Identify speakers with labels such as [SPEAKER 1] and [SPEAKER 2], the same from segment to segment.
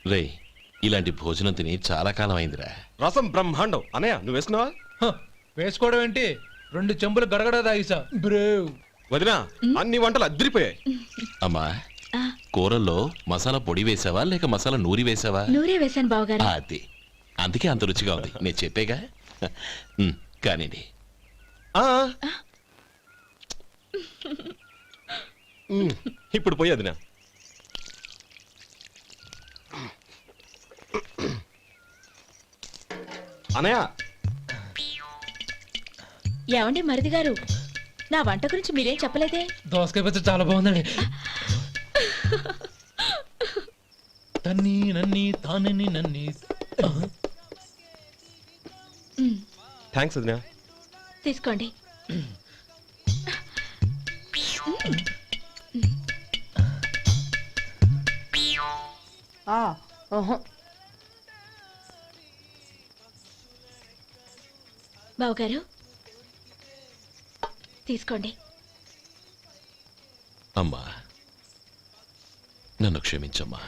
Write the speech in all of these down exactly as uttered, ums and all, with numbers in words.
[SPEAKER 1] రే ఇలాంటి భోజనం తిని చాలా కాలం అయిందిరా.
[SPEAKER 2] రసం బ్రహ్మాండం. అనయ్య నువ్వు వేసుకున్నావా?
[SPEAKER 3] వేసుకోవడం ఏంటి, రెండు చెంబులు గడగడ తాగిసా బ్రేవ్.
[SPEAKER 2] వదినా అన్ని వంటలు అద్దరిపోయాయి.
[SPEAKER 1] అమ్మా కూరల్లో మసాలా పొడి వేసావా లేక మసాలా నూరి వేసావా?
[SPEAKER 4] నూరే వేసాను బావగారు.
[SPEAKER 1] అది అందుకే అంత రుచిగా ఉంది. నేను చెప్పేగా. కానివ్వండి.
[SPEAKER 2] ఇప్పుడు పోయి వదినా. అనయ్య
[SPEAKER 4] ఏమండి మరిది గారు, నా వంట గురించి మీరేం చెప్పలేదే?
[SPEAKER 3] దోసకాయ పచ్చడి చాలా బాగుందండి. తన్ని నన్ని తానని నన్ని.
[SPEAKER 2] థ్యాంక్స్ వదినా.
[SPEAKER 4] తీసుకోండి. బావగారు తీసుకోండి.
[SPEAKER 1] అమ్మా నన్ను క్షమించమ్మా.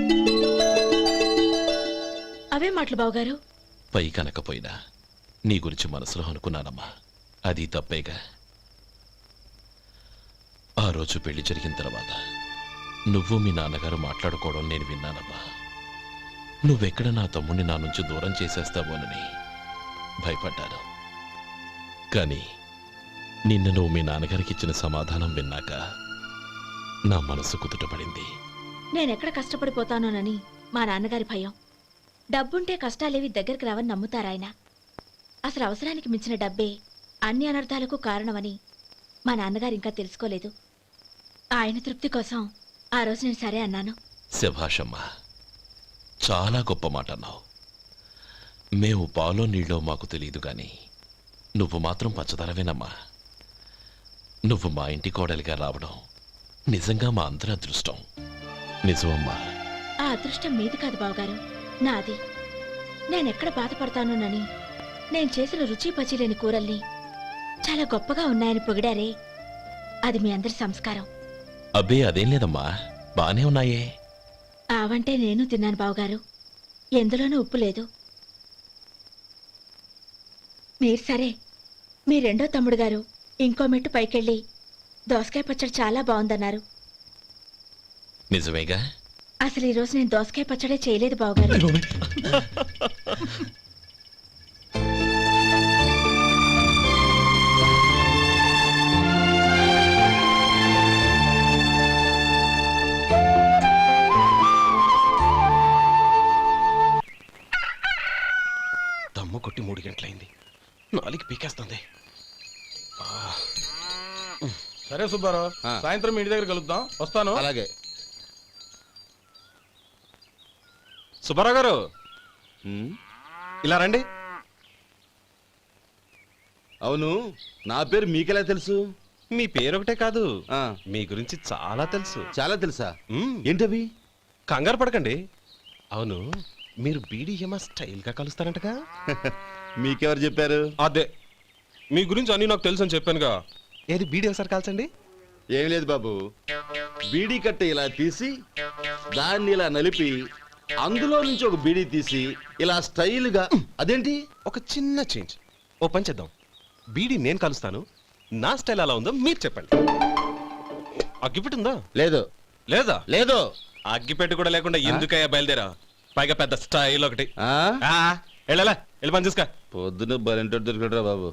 [SPEAKER 4] అవే మాటలు బావగారు.
[SPEAKER 1] పై కనకపోయినా నీ గురించి మనసులో అనుకున్నానమ్మా. అది తప్పేగా. ఆ రోజు పెళ్లి జరిగిన తర్వాత నువ్వు మీ నాన్నగారు మాట్లాడుకోవడం నేను విన్నానమ్మా. నువ్వెక్కడ నా తమ్ముడిని నా నుంచి దూరం చేసేస్తావోనని భయపడ్డాను. కానీ నిన్న నువ్వు మీ నాన్నగారికి ఇచ్చిన సమాధానం విన్నాక నా మనసు కుదుటపడింది.
[SPEAKER 4] నేనెక్కడ కష్టపడిపోతానోనని మా నాన్నగారి భయం. డబ్బుంటే కష్టాలేవి దగ్గరికి రావని నమ్ముతారాయన. అసలు అవసరానికి మించిన డబ్బే అన్ని అనర్థాలకు కారణమని మా నాన్నగారు ఇంకా తెలుసుకోలేదు. ఆయన తృప్తి కోసం ఆ రోజు నేను సరే అన్నాను.
[SPEAKER 1] శభాషమ్మా, చాలా గొప్ప మాట అన్నావు. మేము పాలో నీళ్ళో మాకు తెలియదు గాని నువ్వు మాత్రం పచ్చదనవేనమ్మా. నువ్వు మా ఇంటి కోడలిగా రావడం నిజంగా మా అందరి అదృష్టం. నిజమమ్మా.
[SPEAKER 4] ఆ అదృష్టం మీది కాదు బావగారు, నాది. నేనెక్కడ బాధపడతానోనని నేను చేసిన రుచి పచిలేని కూరల్ని చాలా గొప్పగా ఉన్నాయని పొగిడారే, అది మీ అందరి సంస్కారం.
[SPEAKER 1] అబ్బే అదేం లేదమ్మా, బానే ఉన్నాయే.
[SPEAKER 4] ఆవంటే నేను తిన్నాను బావగారు, ఎందులోనూ ఉప్పు లేదు. మీరు సరే, మీ రెండో తమ్ముడు గారు ఇంకో మెట్టు పైకెళ్ళి దోసకాయ పచ్చడి చాలా బాగుందన్నారు.
[SPEAKER 1] నిజమేగా?
[SPEAKER 4] అసలు ఈరోజు నేను దోసకాయ పచ్చడే చేయలేదు బావగారు.
[SPEAKER 2] దమ్ము కొట్టి మూడు గంటలైంది, నాలుగు పీకేస్తుంది.
[SPEAKER 5] సరే సుబ్బారావు, సాయంత్రం మీ ఇంటి దగ్గర కలుద్దాం. వస్తాను.
[SPEAKER 6] అలాగే.
[SPEAKER 2] సుబ్బారావు గారు ఇలా రండి.
[SPEAKER 6] అవును, నా పేరు మీకెలా తెలుసు?
[SPEAKER 2] మీ పేరు ఒకటే కాదు,
[SPEAKER 6] ఆ,
[SPEAKER 2] మీ గురించి చాలా తెలుసు.
[SPEAKER 6] చాలా తెలుసా?
[SPEAKER 2] మ్మ్.
[SPEAKER 6] ఏంటవి?
[SPEAKER 2] కంగారు పడకండి. అవును, మీరు బీడీఎంఆ స్టైల్ గా కలుస్తారంటగా?
[SPEAKER 6] మీకెవరు చెప్పారు?
[SPEAKER 2] అదే, మీ గురించి అన్ని నాకు తెలుసు అని చెప్పానుగా. ఏది బీడీ ఒకసారి కాల్చండి.
[SPEAKER 6] ఏం లేదు బాబు, బీడీ కట్ట ఇలా తీసి దాన్ని ఇలా నలిపి అందులో నుంచి ఒక బీడీ తీసి ఇలా స్టైల్ గా. అదేంటి?
[SPEAKER 2] ఒక చిన్న చేంజ్. ఓ పని చేద్దాం, బీడీ నేను కలుస్తాను, నా స్టైల్ అలా ఉందో మీరు చెప్పండి. అగ్గిపెట్టి ఉందా?
[SPEAKER 6] లేదు.
[SPEAKER 2] లేదా?
[SPEAKER 6] లేదు.
[SPEAKER 2] అగ్గిపెట్టి కూడా లేకుండా ఎందుకయ్యా బయలుదేరా? పైగా పెద్ద స్టైల్ ఒకటి.
[SPEAKER 6] ఆ,
[SPEAKER 2] వెళ్ళాలా, వెళ్ళి పని చూసుకో.
[SPEAKER 6] పొద్దున బలింటో దొరికడరా బాబు.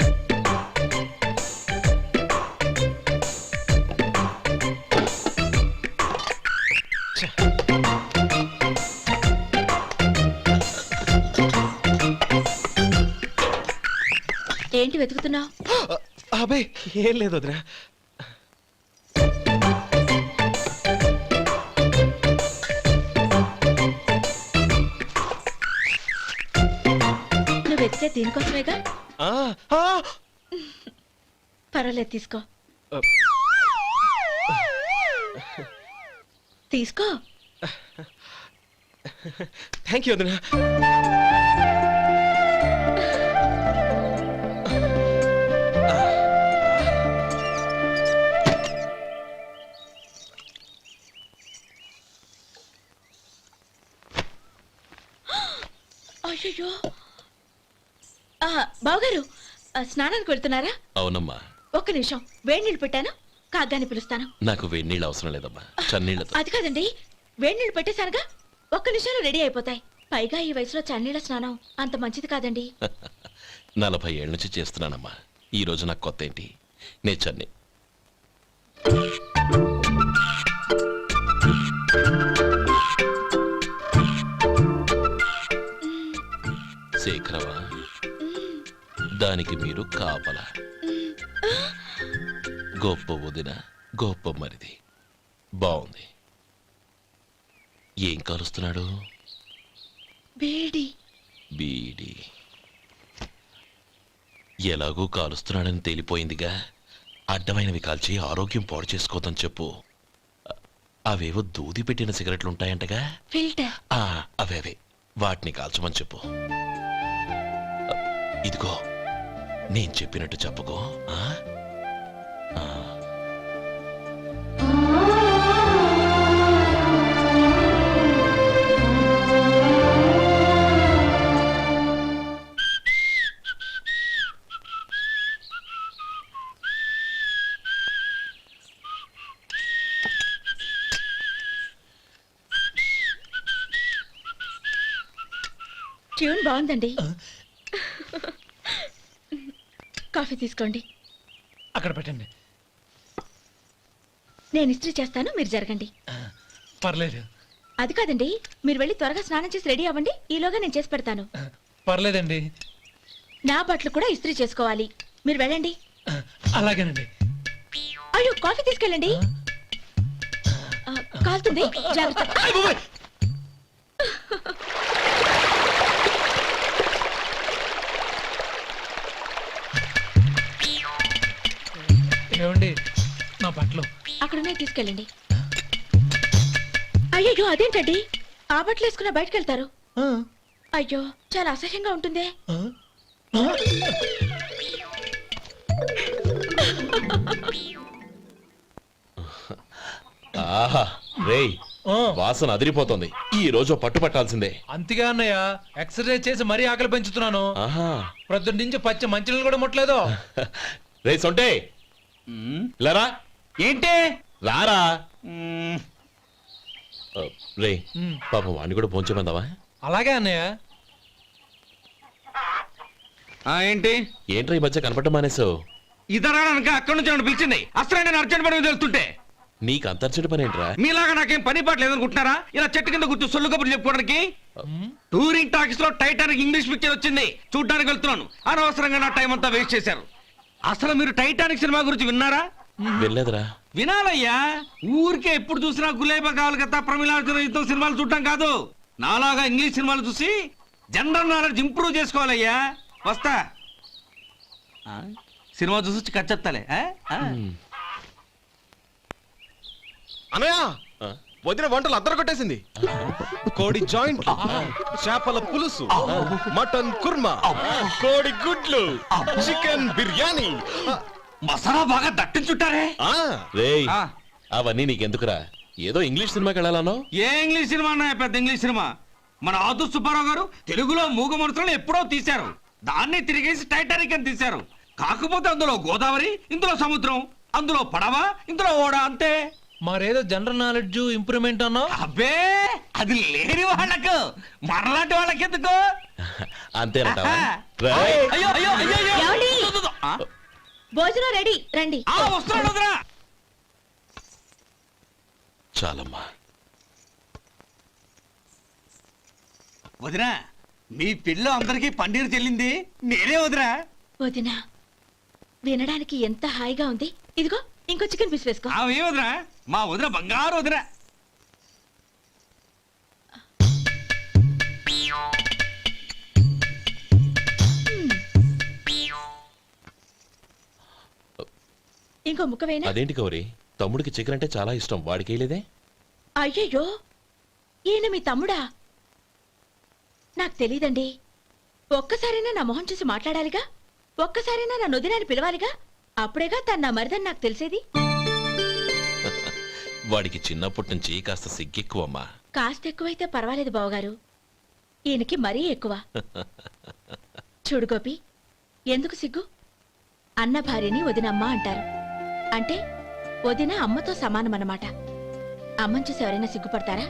[SPEAKER 4] ఏంటి వెతుకుతున్నావు?
[SPEAKER 2] అబే ఏం లేదు వదినా.
[SPEAKER 4] నువ్వు వెతికే దీనికోసమేగా.
[SPEAKER 2] ఆ, ఆ.
[SPEAKER 4] పర్వాలేదు, తీసుకో. తీసుకో.
[SPEAKER 2] థ్యాంక్ యూ వదినా.
[SPEAKER 4] అయ్యో బావగారు ఆ, స్నానానికి వెళ్తున్నారా?
[SPEAKER 1] అవునమ్మా.
[SPEAKER 4] ఒక్క నిమిషం వేడి నీళ్ళు పెట్టాను, కాగ్గాని పిలుస్తాను.
[SPEAKER 1] నాకు వేడి నీళ్ళు అవసరం లేదమ్మా, చన్నీళ్ళతో.
[SPEAKER 4] అది కాదండి, వేడి నీళ్ళు పెట్టేశానుగా, ఒక్క నిమిషంలో రెడీ అయిపోతాయి. పైగా ఈ వయసులో చన్నీళ్ళ స్నానం అంత మంచిది కాదండి.
[SPEAKER 1] నలభై ఏళ్ళ నుంచి చేస్తున్నానమ్మా. ఈ రోజు నాకు కొత్త ఏంటి? నే చన్ని. శేఖరవా, దానికి మీరు కాపల. గొప్ప వదిన, గొప్ప మరిది. బాగుంది. ఏం కలుస్తున్నాడు?
[SPEAKER 4] వేడి
[SPEAKER 1] బీడి. ఎలాగూ కాలుస్తున్నాడని తేలిపోయిందిగా, అడ్డమైనవి కాల్చి ఆరోగ్యం పాడు చేసుకోదని చెప్పు. అ- అవేవో దూది పెట్టిన సిగరెట్లు ఉంటాయంటగా,
[SPEAKER 4] ఫిల్టర్.
[SPEAKER 1] ఆ, అవే అవే వాటిని కాల్చమని చెప్పు. అ, ఇదిగో నేను చెప్పినట్టు చెప్పుకో. ఆ? ఆ.
[SPEAKER 4] ట్యూన్ బాగుందండి. కాఫీ తీసుకోండి.
[SPEAKER 3] అక్కడ పెట్టండి.
[SPEAKER 4] నేను ఇస్త్రీ చేస్తాను, మీరు జరగండి.
[SPEAKER 3] పర్లేదు.
[SPEAKER 4] అది కాదండి, మీరు వెళ్ళి త్వరగా స్నానం చేసి రెడీ అవ్వండి, ఈలోగా నేను చేసి పెడతాను.
[SPEAKER 3] పర్లేదండి.
[SPEAKER 4] నా బట్టలు కూడా ఇస్త్రీ చేసుకోవాలి, మీరు వెళ్ళండి.
[SPEAKER 3] అలాగేనండి.
[SPEAKER 4] అయ్యో, కాఫీ తీసుకెళ్ళండి. ఆ, కాలుతుంది, జాగ్రత్త.
[SPEAKER 3] ఏమండి, నా బట్టలు
[SPEAKER 4] అక్కడనే తీసుకెళ్ళండి. అయ్యో, అదేంటండి, ఆ బట్టలు వేసుకున్న బయటకు వెళ్తారు?
[SPEAKER 3] ఆ,
[SPEAKER 4] అయ్యో, చాలా అసహ్యంగా ఉంటుందే.
[SPEAKER 3] ఆ, ఆ.
[SPEAKER 1] ఆహా రేయ్,
[SPEAKER 3] ఆ,
[SPEAKER 1] వాసన అదిరిపోతుంది. ఈ రోజు పట్టు పట్టాల్సిందే.
[SPEAKER 3] అంతిగా అన్నయ్య, ఎక్సర్సైజ్ చేసి మరీ ఆకలి పెంచుతున్నాను.
[SPEAKER 1] ఆహా.
[SPEAKER 3] ప్రొద్దున నుంచి పచ్చి మంచినీళ్ళు కూడా ముట్టలేదు.
[SPEAKER 1] రే సొంటే, లరా
[SPEAKER 7] ఏంటి
[SPEAKER 1] రారా.
[SPEAKER 7] మ్మ్.
[SPEAKER 1] ఆ, రే
[SPEAKER 3] ఉమ్,
[SPEAKER 1] పాపం వాడిని కూడా పోంచమందావా?
[SPEAKER 3] అలాగే అన్నయ్య.
[SPEAKER 7] ఆ, ఏంటి
[SPEAKER 1] ఏంట్రా ఈ మధ్య కనపడటం మానేసావు?
[SPEAKER 7] ఇదనక అక్కడి నుంచి నన్ను పిలిచింది. అసలు నేను అర్జెంట్ పని మీద వెళ్తుంటే
[SPEAKER 1] నీకు అంతర్చడి పని ఏంట్రా?
[SPEAKER 7] మీలాగా నాకేం పని పాట లేదనుకుంటున్నారా? ఇలా చెట్టు కింద కూర్చో సొల్లు కబుర్లు చెప్పుకోవడానికి.
[SPEAKER 3] ఉమ్,
[SPEAKER 7] టూరింగ్ టాకీస్ లో టైటానిక్ ఇంగ్లీష్ పిక్చర్ వచ్చింది, చూడ్డానికి వెళ్తున్నాను. అనవసరంగా నా టైం అంతా వేస్ట్ చేశారు. అసలు మీరు టైటానిక్ సినిమా గురించి విన్నారా?
[SPEAKER 1] వెళ్ళలేదురా.
[SPEAKER 7] వినాలయ్యా. ఊరికే ఎప్పుడు చూసినా గులేబా కావాలి కదా, ప్రమిళార్జున యుద్ధం సినిమాలు చూడటం కాదు. నాలాగా ఇంగ్లీష్ సినిమాలు చూసి జనరల్ నాలెడ్జ్ ఇంప్రూవ్ చేసుకోవాలయ్యా. వస్తా. ఆ? సినిమా చూసి వచ్చి కచ్చెత్తాలే. ఆ? ఆ.
[SPEAKER 2] అనయ్య,
[SPEAKER 1] ఆ?
[SPEAKER 2] వదిన వంటలు అద్దరు కొట్టేసింది. కోడి జాయింట్, చేపల పులుసు, మటన్ కుర్మా, కోడి గుడ్లు, చికెన్ బిర్యానీ.
[SPEAKER 7] మసాలా బాగా దట్టించుంటారే.
[SPEAKER 2] ఆ,
[SPEAKER 1] రేయ్,
[SPEAKER 7] ఆ.
[SPEAKER 1] అవన్నీ నీకెందుకురా? ఏదో ఇంగ్లీష్ సినిమాకి వెళ్ళాలనో.
[SPEAKER 7] ఏ ఇంగ్లీష్ సినిమా అన్నా పెద్ద ఇంగ్లీష్ సినిమా. మన ఆదు సుబ్బారావు గారు తెలుగులో మూగ మనుషులను ఎప్పుడో తీశారు. దాన్ని తిరిగేసి టైటానిక్ అని తీశారు. కాకపోతే అందులో గోదావరి, ఇందులో సముద్రం, అందులో పడవ, ఇందులో ఓడ, అంతే.
[SPEAKER 3] మరేదో జనరల్ నాలెడ్జ్ ఇంప్రూవ్మెంట్ అన్నావు.
[SPEAKER 7] అబ్బే, అది లేని వాళ్ళకు మరలాంటి వాళ్ళకి ఎందుకు?
[SPEAKER 1] అంతేనటవా?
[SPEAKER 7] ఆహా.
[SPEAKER 1] రేయ్,
[SPEAKER 7] అయ్యో అయ్యో అయ్యో అయ్యో.
[SPEAKER 4] ఏమండి?
[SPEAKER 7] దు, దు, దు. ఆ?
[SPEAKER 4] భోజనం రెడీ, రండి.
[SPEAKER 7] ఆ, వస్తున్నాడు వదరా.
[SPEAKER 1] చాలమ్మా.
[SPEAKER 7] వదినా, మీ పిల్ల అందరికీ పన్నీరు చెల్లింది నేనే వదినా.
[SPEAKER 4] వదినా, వినడానికి ఎంత హాయిగా ఉంది. ఇదిగో ఇంకో చికెన్ పీస్ వేసుకో.
[SPEAKER 7] ఆమె వదినా, మా వదిన బంగారు వదినా.
[SPEAKER 4] ఇంకో ముక్క వేయనా?
[SPEAKER 1] అదేంటి గౌరీ, తమ్ముడికి చికెన్ అంటే చాలా ఇష్టం, వాడికి వేయలేదే?
[SPEAKER 4] అయ్యయ్యో, ఈయన మీ తమ్ముడా? నాకు తెలీదండి. ఒక్కసారైనా నా మొహం చూసి మాట్లాడాలిగా, ఒక్కసారైనా నా నొదినాన్ని పిలవాలిగా, అప్పుడేగా తన నా మరిదని నాకు తెలిసేది.
[SPEAKER 1] వాడికి చిన్నప్పటి నుంచి కాస్త సిగ్గెక్కువమ్మా.
[SPEAKER 4] కాస్త ఎక్కువైతే పర్వాలేదు బావగారు. ఈయనకి మరీ ఎక్కువ. చూడు గోపి, ఎందుకు సిగ్గు? అన్న భార్యని వదినమ్మ అంటారు. అంటే వదిన అమ్మతో సమానమన్నమాట. అమ్మని చూసి ఎవరైనా సిగ్గుపడతారా?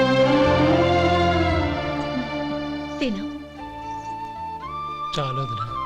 [SPEAKER 4] తిను.
[SPEAKER 3] చాలా వదినా.